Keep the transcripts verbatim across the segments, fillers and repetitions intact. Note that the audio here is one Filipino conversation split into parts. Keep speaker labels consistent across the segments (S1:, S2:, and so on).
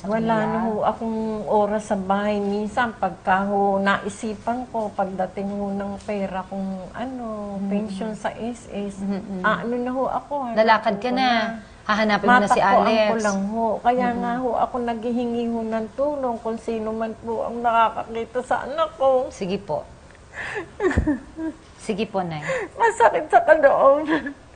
S1: sa
S2: Wala
S1: kanila?
S2: na ho akong oras sa bahay. Minsan, pagka ho naisipan ko, pagdating ho ng pera kung ano, mm-hmm. pension sa S S, mm-hmm. ah, ano na ho ako.
S1: Lalakad ka na. na. Hahanapin mo na si Alex.
S2: Ko lang ho. Kaya mm-hmm. nga ho, ako naghihingi ho ng tulong kung sino man po ang nakakakita sa anak ko.
S1: Sige po. Sige po, Nay.
S2: Masakit sa kaloob.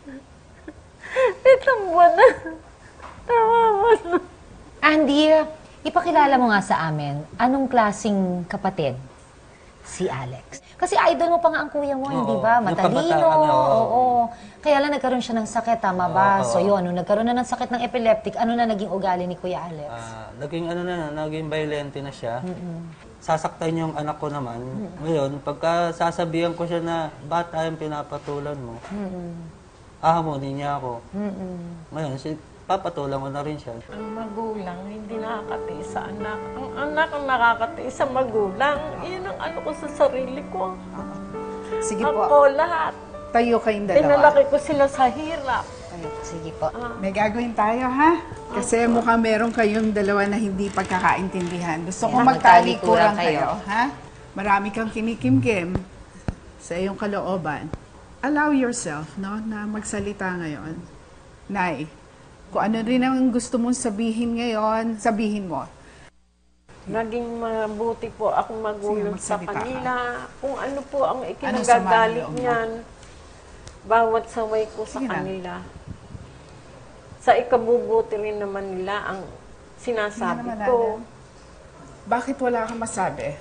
S2: Itong buwan na. Tawa na.
S1: Andy, ipakilala mo nga sa amin, anong klaseng kapatid si Alex? Kasi idol mo pa nga ang kuya mo, oo, hindi ba? Matalino. Oo, oo. Kaya lang nagkaroon siya ng sakit, tama ba? Oo, so yun, nung nagkaroon na ng sakit ng epileptic, ano na naging ugali ni Kuya Alex?
S3: Uh, naging ano na, naging violente na siya.
S1: Mm-mm.
S3: Sasaktan yung anak ko naman. Mm-mm. Ngayon, pagka sasabihan ko siya na, bata yung pinapatulan mo, mm-mm. ahamonin niya ako. Mm-mm. Ngayon, si papatulan ko na rin siya.
S2: Ang magulang, hindi nakakatiis sa anak. Ang anak ang nakakatiis sa magulang. Iyon ang ano ko sa sarili ko.
S4: Sige
S2: ako,
S4: po.
S2: Ako lahat.
S4: Tayo kayong dalawa.
S2: Pinalaki ko sila sa hirap.
S1: Sige po.
S4: Ah. May gagawin tayo, ha? Kasi ah. mukhang meron kayong dalawa na hindi pagkakaintindihan. Gusto ko magtalikuran kayo, ha? Marami kang kinikimkim sa iyong kalooban. Allow yourself, no, na magsalita ngayon. Nay, kung ano rin ang gusto mong sabihin ngayon, sabihin mo.
S2: Naging mabuti po akong magulang sa kanila. Kung ano po ang ikinagagalit ano niyan, bawat saway ko sa Sige kanila. Na. Sa ikabubuti rin naman nila ang sinasabi ko.
S4: Naman, bakit wala kang masabi?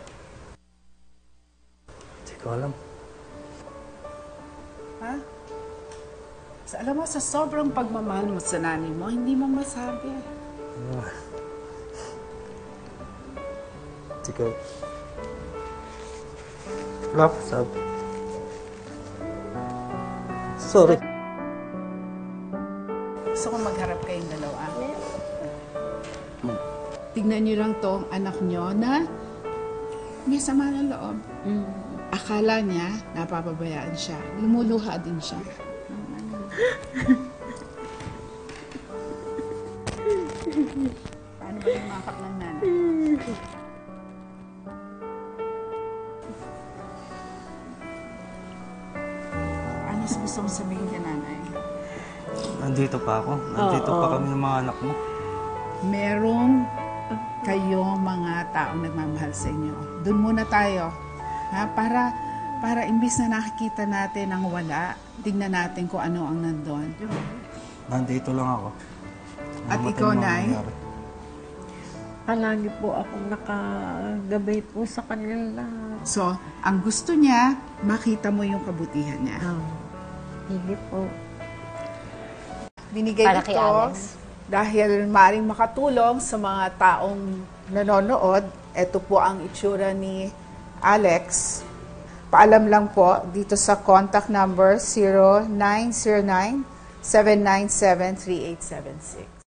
S3: Hindi ko alam.
S4: Ha? So, alam mo, sa sobrang pagmamahal mo sa nanay mo, hindi mo masabi.
S3: Hindi ko. Wala pa sabi. Sorry.
S4: Gusto ko magharap kayong dalawa. Hmm. Tignan niyo lang to, anak niyo na may sama ng loob. Mm. Akala niya, napapabayaan siya. Lumuluha din siya. Paano ba yung makap ng nanay? Ano gusto mong sabihin ka, nanay?
S3: Nandito pa ako. Nandito oh, pa oh. kami ng mga anak mo.
S4: Merong kayong mga taong nagmamahal sa inyo. Doon muna tayo. Ha? Para, para imbis na nakikita natin ang wala, tignan natin kung ano ang nandun.
S3: Nandito lang ako.
S4: At ikaw, Nay?
S2: Palagi po akong nakagabay po sa kanila.
S4: So, ang gusto niya, makita mo yung kabutihan niya.
S2: Oh, hindi po.
S4: Binigay
S1: Para
S4: ito
S1: kay Alex.
S4: Dahil maaaring makatulong sa mga taong nanonood. Ito po ang itsura ni Alex. Paalam lang po dito sa contact number zero nine zero nine, seven nine seven, three eight seven six.